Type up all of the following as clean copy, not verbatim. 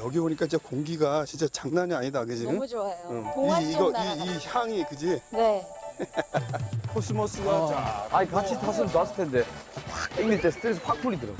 여기 오니까 진짜 공기가 진짜 장난이 아니다, 그지? 너무 좋아요. 응. 동화 이, 속 이거 나라. 이 향이 그지? 네. 코스모스가 쫙. 아니 같이 탔으면 좋았을 텐데 확 땡길 때 스트레스 확 풀리더라고.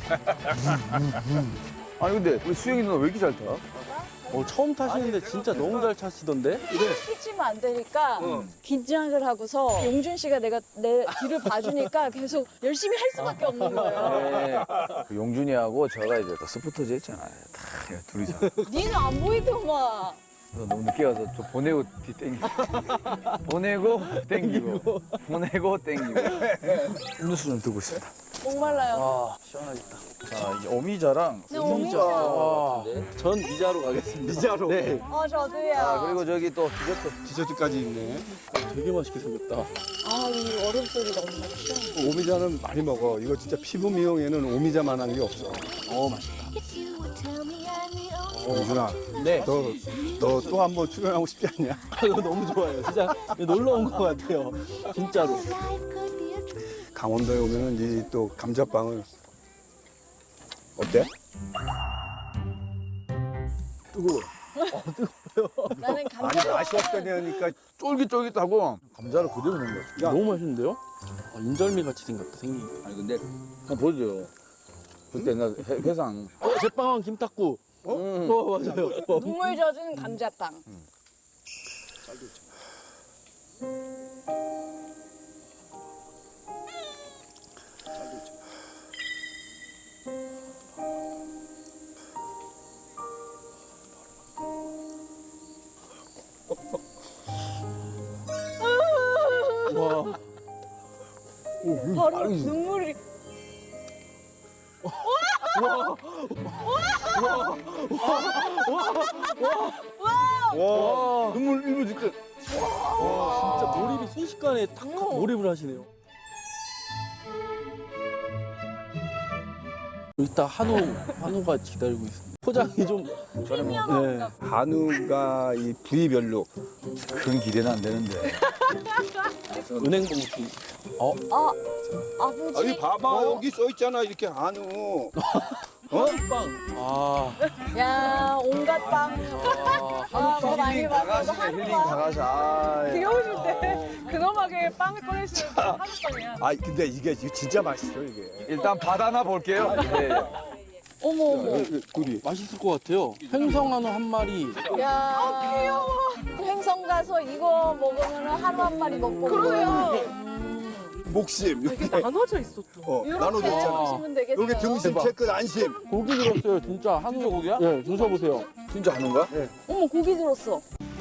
아니 근데 우리 수영이 누나 왜 이렇게 잘 타? 처음 타시는데 진짜 너무 잘 타시던데? 끼치면 안 되니까 긴장을 하고서 용준 씨가 내가 내 뒤를 봐주니까 계속 열심히 할 수밖에 없는 거예요. 네. 그 용준이하고 제가 이제 또 스포터즈 했잖아요. 다 둘이서. 니는 안 보이더만. 그래서 너무 늦게 와서 저 보내고 뒤 땡기고. 보내고 땡기고. 보내고 땡기고. 음료수 좀 들고 있습니다. 목말라요. 아, 시원하겠다. 자 이제 어미자랑 네, 오미자. 전 미자로 가겠습니다. 미자로. 네. 저도요. 아 그리고 저기 또 디저트. 디저트까지 있네. 되게 맛있게 생겼다. 이 얼음 소리 너무 시원해. 오미자는 많이 먹어. 이거 진짜 피부 미용에는 오미자만한 게 없어. 맛있다. 용준아, 네. 너 또 한 번 출연하고 싶지 않냐? 이거 너무 좋아요. 진짜 놀러 온 것 같아요. 진짜로. 강원도에 오면은 이 또 감자빵을 어때? 뜨거워. 나는 아니 감자. 맛이 없다니까. 쫄깃쫄깃하고 감자를 그대로 넣은 거야. 야. 너무 맛있는데요? 인절미 같이 생겼다, 생긴 게. 아니 근데 한번 보여줘요. 그때 나 회상. 제빵왕 김탁구. 맞아요. 눈물 젖은 감자빵. 와. 바로 눈물이. 와. 눈물 일부 직전. 진짜 몰입이 순식간에 탁 몰입을 하시네요. 이따 한우가 기다리고 있습니다. 포장이 좀 전에 뭐 네. 한우가 이 부위별로 그런 기대는 안 되는데. 은행 봉투. 아버지. 아니 봐봐 여기 써 있잖아 이렇게 한우. 빵. 야, 온갖 빵. 뭐 많이 힐링 먹어서 다가시네 한우 힐링 빵. 다가시. 아, 비 오실 때 근엄하게 빵을 꺼내시는 한우빵이야. 아 근데 이게 진짜 맛있어 이게. 일단 받아나 볼게요. 네. 어머, 어머. 둘이. 맛있을 것 같아요. 횡성 한우 한 마리. 야, 귀여워. 횡성 가서 이거 먹으면 한우 한 마리 먹고. 그러네요. 목심 이게 이렇게 나눠져 있어 또. 나눠져 이렇게 있잖아. 드시면 되겠어요. 여기 등심 채끝 안심. 고기 들었어요, 진짜. 한우 고기야? 네, 드셔보세요. 진짜 하는가? 어머, 고기 들었어.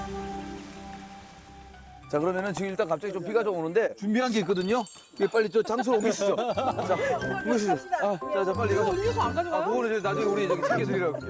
자 그러면은 지금 일단 갑자기 좀 비가 좀 오는데 준비한 게 있거든요. 이게 빨리 저 장소로 옮기시죠. 자 옮기시죠. 자 빨리 가서. 음료수 안 아 가져가요? 그거는 이제 나중에 우리 저기 챙겨드리라고.